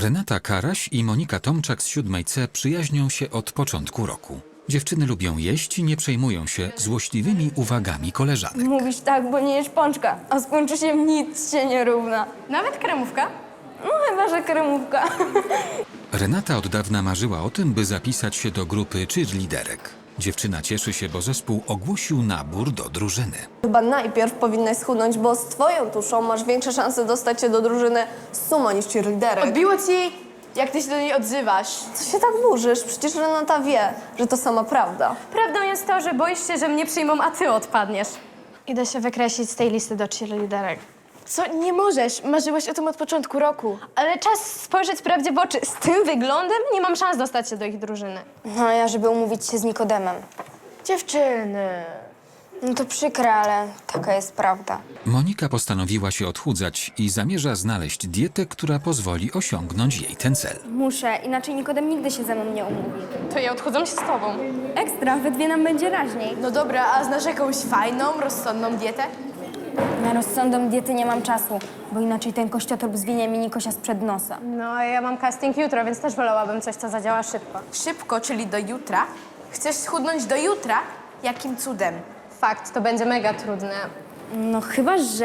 Renata Karaś i Monika Tomczak z 7C przyjaźnią się od początku roku. Dziewczyny lubią jeść i nie przejmują się złośliwymi uwagami koleżanek. Mówisz tak, bo nie jesz pączka, a z pączusiem nic się nie równa. Nawet kremówka? No chyba, że kremówka. Renata od dawna marzyła o tym, by zapisać się do grupy cheerleaderek. Dziewczyna cieszy się, bo zespół ogłosił nabór do drużyny. Chyba najpierw powinnaś schudnąć, bo z twoją tuszą masz większe szanse dostać się do drużyny sumo niż cheerleaderek. Odbiło ci, jak ty się do niej odzywasz. Co się tak burzysz? Przecież Renata wie, że to sama prawda. Prawdą jest to, że boisz się, że mnie przyjmą, a ty odpadniesz. Idę się wykreślić z tej listy do cheerleaderek. Co? Nie możesz. Marzyłaś o tym od początku roku. Ale czas spojrzeć prawdzie w oczy. Z tym wyglądem nie mam szans dostać się do ich drużyny. No a ja, żeby umówić się z Nikodemem. Dziewczyny. No to przykre, ale taka jest prawda. Monika postanowiła się odchudzać i zamierza znaleźć dietę, która pozwoli osiągnąć jej ten cel. Muszę, inaczej Nikodem nigdy się ze mną nie umówi. To ja odchudzam się z tobą. Ekstra, we dwie nam będzie raźniej. No dobra, a znasz jakąś fajną, rozsądną dietę? Na rozsądną diety nie mam czasu, bo inaczej ten kościotrup zwinie mi Nikosia sprzed nosa. No, a ja mam casting jutro, więc też wolałabym coś, co zadziała szybko. Szybko, czyli do jutra? Chcesz schudnąć do jutra? Jakim cudem? Fakt, to będzie mega trudne. No chyba, że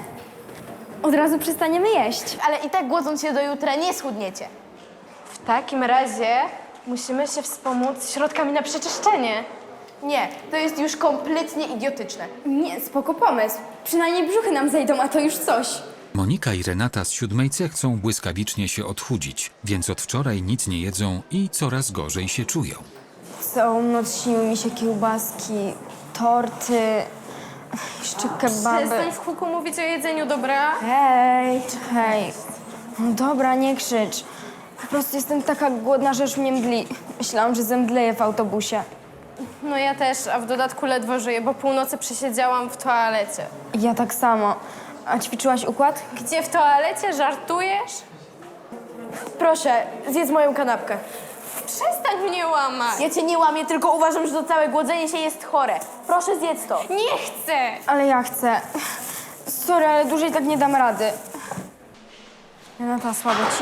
od razu przestaniemy jeść. Ale i tak głodząc się do jutra nie schudniecie. W takim razie musimy się wspomóc środkami na przeczyszczenie. Nie, to jest już kompletnie idiotyczne. Nie, spoko pomysł. Przynajmniej brzuchy nam zejdą, a to już coś. Monika i Renata z 7C chcą błyskawicznie się odchudzić, więc od wczoraj nic nie jedzą i coraz gorzej się czują. Całą noc śniły mi się kiełbaski, torty, jeszcze kebaby. Przestań w huku mówić o jedzeniu, dobra? Hej. No dobra, nie krzycz. Po prostu jestem taka głodna, że już mnie mdli. Myślałam, że zemdleję w autobusie. No ja też, a w dodatku ledwo żyję, bo północy przesiedziałam w toalecie. Ja tak samo. A ćwiczyłaś układ? Gdzie w toalecie? Żartujesz? Proszę, zjedz moją kanapkę. Przestań mnie łamać! Ja cię nie łamię, tylko uważam, że to całe głodzenie się jest chore. Proszę, zjedz to. Nie chcę! Ale ja chcę. Sorry, ale dłużej tak nie dam rady. Renata, słabo ci?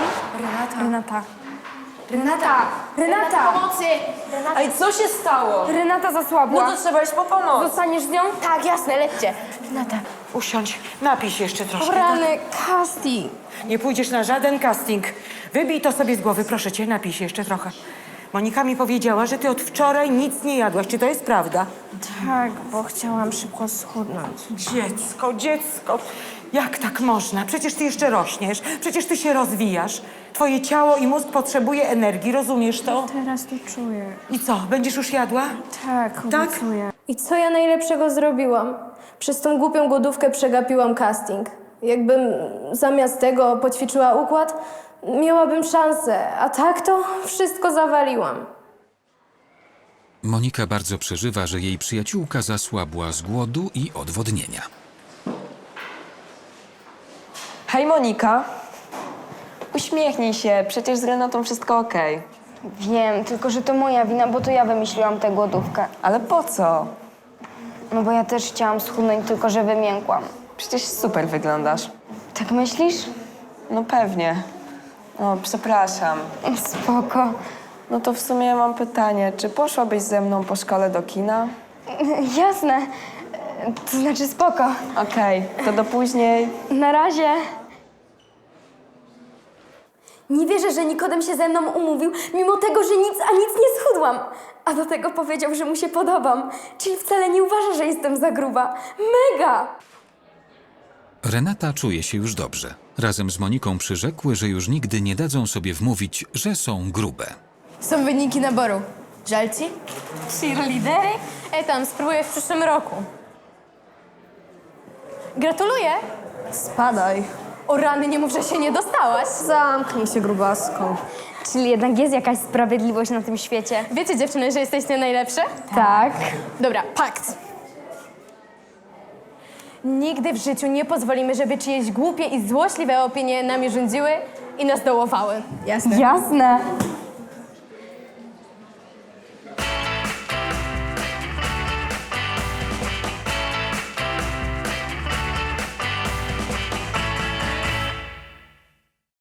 Renata! Pomocy! Ale co się stało? Renata zasłabła. No to trzeba iść po pomoc. Zostaniesz z nią? Tak, jasne, lećcie. Usiądź, napij się jeszcze troszkę. Rany, casting. Nie pójdziesz na żaden casting. Wybij to sobie z głowy, proszę cię, napij się jeszcze trochę. Monika mi powiedziała, że ty od wczoraj nic nie jadłaś. Czy to jest prawda? Tak, bo chciałam szybko schudnąć. Dziecko, jak tak można? Przecież ty jeszcze rośniesz, przecież ty się rozwijasz. Twoje ciało i mózg potrzebuje energii, rozumiesz to? Teraz to czuję. I co, będziesz już jadła? Tak, Tak? obiecuję. I co ja najlepszego zrobiłam? Przez tą głupią głodówkę przegapiłam casting. Jakbym zamiast tego poćwiczyła układ, miałabym szansę, a tak to wszystko zawaliłam. Monika bardzo przeżywa, że jej przyjaciółka zasłabła z głodu i odwodnienia. Hej Monika, uśmiechnij się, przecież z Renatą wszystko okej. Wiem, tylko że to moja wina, bo to ja wymyśliłam tę głodówkę. Ale po co? No bo ja też chciałam schudnąć, tylko że wymiękłam. Przecież super wyglądasz. Tak myślisz? No pewnie. O, przepraszam. Spoko. No to w sumie mam pytanie, czy poszłabyś ze mną po szkole do kina? Jasne. To znaczy spoko. Okej, to do później. Na razie. Nie wierzę, że Nikodem się ze mną umówił, mimo tego, że nic nie schudłam. A do tego powiedział, że mu się podobam. Czyli wcale nie uważa, że jestem za gruba. Mega! Renata czuje się już dobrze. Razem z Moniką przyrzekły, że już nigdy nie dadzą sobie wmówić, że są grube. Są wyniki naboru. Żal ci? Cheerleadery? Tam spróbuję w przyszłym roku. Gratuluję! Spadaj. O rany, nie mów, że się nie dostałaś. Zamknij się, grubaską. Czyli jednak jest jakaś sprawiedliwość na tym świecie. Wiecie, dziewczyny, że jesteście najlepsze? Tak. Dobra, pakt. Nigdy w życiu nie pozwolimy, żeby czyjeś głupie i złośliwe opinie nami rządziły i nas dołowały. Jasne. Jasne.